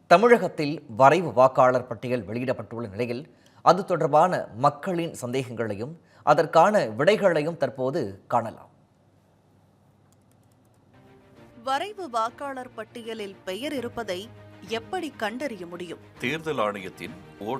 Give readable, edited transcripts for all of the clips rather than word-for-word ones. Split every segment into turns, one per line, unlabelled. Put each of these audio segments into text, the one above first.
தமிழகத்தில் வரைவு வாக்காளர் பட்டியல் வெளியிடப்பட்டுள்ள நிலையில் அது தொடர்பான மக்களின் சந்தேகங்களையும் அதற்கான விடைகளையும் தற்போது காணலாம்.
வரைவு வாக்காளர் பட்டியலில் பெயர் இருப்பதை எப்படி கண்டறிய முடியும்?
தேர்தல் ஆணையத்தின்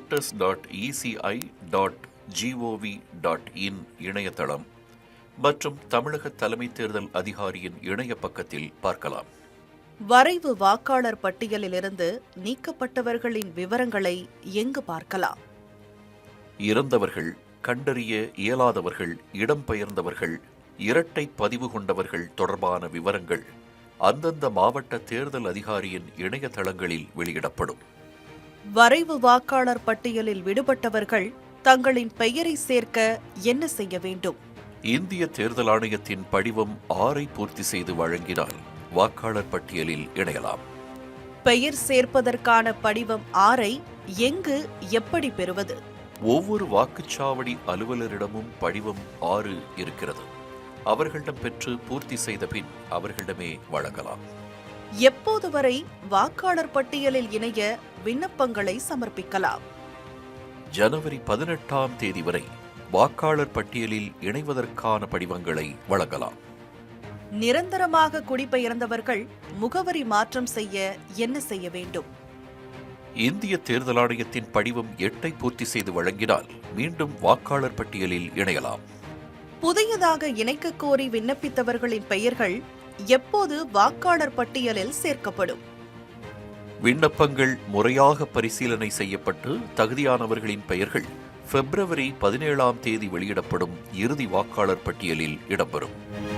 voters.eci.gov.in இணையதளம் மற்றும் தமிழக தலைமை தேர்தல் அதிகாரியின் இணைய பக்கத்தில் பார்க்கலாம்.
வரைவு வாக்காளர் பட்டியலிலிருந்து நீக்கப்பட்டவர்களின் விவரங்களை எங்கு பார்க்கலாம்?
இறந்தவர்கள், கண்டறிய இயலாதவர்கள், இடம்பெயர்ந்தவர்கள், இரட்டை பதிவு கொண்டவர்கள் தொடர்பான விவரங்கள் அந்தந்த மாவட்ட தேர்தல் அதிகாரியின் இணையதளங்களில் வெளியிடப்படும்.
வரைவு வாக்காளர் பட்டியலில் விடுபட்டவர்கள் தங்களின் பெயரை சேர்க்க என்ன செய்ய வேண்டும்?
இந்திய தேர்தல் ஆணையத்தின் படிவம் 6 பூர்த்தி செய்து வழங்கினால் வாக்காளர் பட்டியலில் இணையலாம்.
பெயர் சேர்ப்பதற்கான படிவம் 6 எங்கு எப்படி பெறுவது?
ஒவ்வொரு வாக்குச்சாவடி அலுவலரிடமும் படிவம் 6 இருக்கிறது. அவர்களிடம் பெற்று பூர்த்தி செய்த பின் அவர்களிடமே வழங்கலாம்.
எப்போது வரை வாக்காளர் பட்டியலில் இணைய விண்ணப்பங்களை சமர்ப்பிக்கலாம்?
ஜனவரி 18ஆம் தேதி வரை வாக்காளர் பட்டியலில் இணைவதற்கான படிவங்களை வழங்கலாம்.
நிரந்தரமாக குடிபெயர்ந்தவர்கள் முகவரி மாற்றம் செய்ய என்ன செய்ய வேண்டும்?
இந்திய தேர்தல் ஆணையத்தின் படிவம் 8 பூர்த்தி செய்து வழங்கினால் மீண்டும் வாக்காளர் பட்டியலில் இணையலாம்.
புதியதாக இணைக்க கோரி விண்ணப்பித்தவர்களின் பெயர்கள் எப்போது வாக்காளர் பட்டியலில் சேர்க்கப்படும்?
விண்ணப்பங்கள் முறையாக பரிசீலனை செய்யப்பட்டு தகுதியானவர்களின் பெயர்கள் பிப்ரவரி 17ஆம் தேதி வெளியிடப்படும் இறுதி வாக்காளர் பட்டியலில் இடம்பெறும்.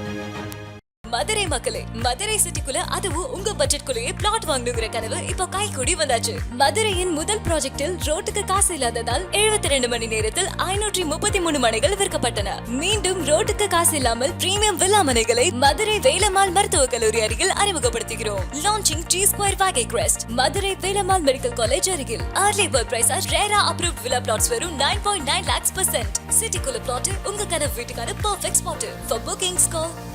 மதுரை மக்களே, மதுரை சிட்டிக்குள்ள அதுவும் உங்க பட்ஜெட்குள்ளேயே பிளாட் வாங்கணுங்கிற கனவு இப்போ கை கூடி வந்தாச்சு. மதுரையின் முதல் ப்ராஜெக்டில் ரோட்டுக்கு காசு இல்லாததால் 72 மணி நேரத்தில் 533 மனைகள் விற்கப்பட்டன. மீண்டும் ரோட்டுக்கு காசு இல்லாமல் பிரீமியம் வில்லா மனைகளை மதுரை வேலம்மாள் மருத்துவக் கல்லூரி அருகில் அறிமுகப்படுத்துகிறோம். Launching G Square Valley Crest, Madurai Velammal medical college அருகில். Early bird price RERA approved villa plots வெறும் 9.9 lakhs %. சிட்டிக்குள்ள பிளாட் உங்க கனவு வீட்டுக்கான perfect spot. For bookings call